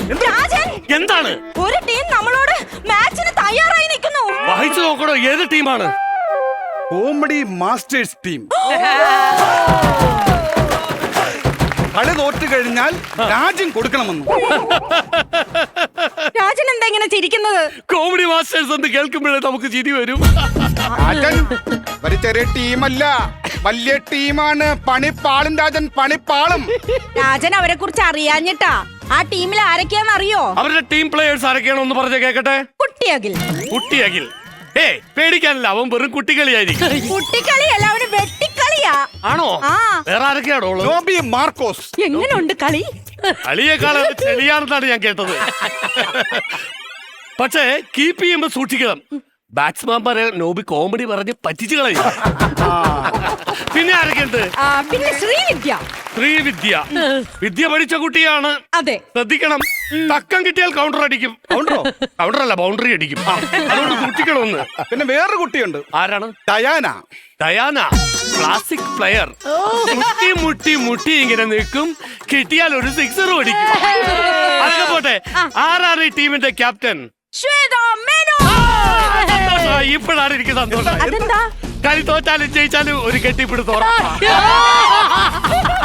രാജൻ, എന്താണ്? ഒരു ടീം നമ്മളോട് മാച്ചിന് തയ്യാറായി നിൽക്കുന്നു. വായിച്ചു നോക്കണോ ഏത് ടീമാണ്? Comedy masters team. കളി തോറ്റു കഴിഞ്ഞാൽ രാജ്യം കൊടുക്കണമെന്ന്. രാജൻ എന്താ ഇങ്ങനെ ചിരിക്കുന്നത്? കോമഡി മാസ്റ്റേഴ്സ് എന്ന് കേൾക്കുമ്പോഴേ നമുക്ക് ചിരി വരും. രാജൻ ഒരു ചെറിയ ടീമല്ല, വലിയ ടീമാണ്. പണിപ്പാളും രാജൻ, പണിപ്പാളും. രാജൻ അവരെ കുറിച്ച് അറിയാഞ്ഞിട്ടാ. ആ ടീമിൽ ആരൊക്കെയാന്ന് അറിയോ? അവരുടെ ടീം പ്ലേയേഴ്സ് ആരൊക്കെയാണോ ഒന്ന് പറഞ്ഞ കേക്കട്ടെ. കുട്ടിയകിൽ. കുട്ടിയകിൽ പേടിക്കാനില്ല, അവൻ വെറും കുട്ടികളിയായിരിക്കും. കുട്ടിക്കളിയല്ല, അവന് വെട്ടിക്കളിയാ. ആണോ? ആ. വേറെ ആരൊക്കെയാണോ? ജോബി മാർക്കോസ്. എങ്ങനെയുണ്ട് കളി? കളിയേക്കാൾ ചെളിയാണെന്നാണ് ഞാൻ കേട്ടത്. പക്ഷേ കീപ്പ് ചെയ്യുമ്പോ സൂക്ഷിക്കണം. ബാറ്റ്സ്മാൻമാരെ നോബി കോമഡി പറഞ്ഞ് പറ്റിച്ചു കളയും. പിന്നെ ആരൊക്കെയുണ്ട്? പിന്നെ ശ്രീവിദ്യ. ശ്രീവിദ്യ വിദ്യ പഠിച്ച കുട്ടിയാണ്. അതെ, ശ്രദ്ധിക്കണം. തക്കം കിട്ടിയാൽ കൗണ്ടർ അടിക്കും. കൗണ്ടറല്ല, ബൗണ്ടറി അടിക്കും. അതുകൊണ്ട് സൂക്ഷിക്കണമെന്ന്. പിന്നെ വേറൊരു കുട്ടിയുണ്ട്. ആരാണ്? ഡയാന. Diana classic player. മുട്ടി മുട്ടി മുട്ടി ഇങ്ങനെ നിൽക്കും, കിട്ടിയാൽ ഒരു സിക്സർ അടിക്കും. അതൊക്കെ പോട്ടെ, ആരാണ് ഈ ടീമിന്റെ ക്യാപ്റ്റൻ? ഇപ്പോഴാണ് എനിക്ക് സന്തോഷം. അതെന്താ? കളി തോറ്റാലും ജയിച്ചാലും ഒരു കെട്ടിപ്പിടുത്തോളം.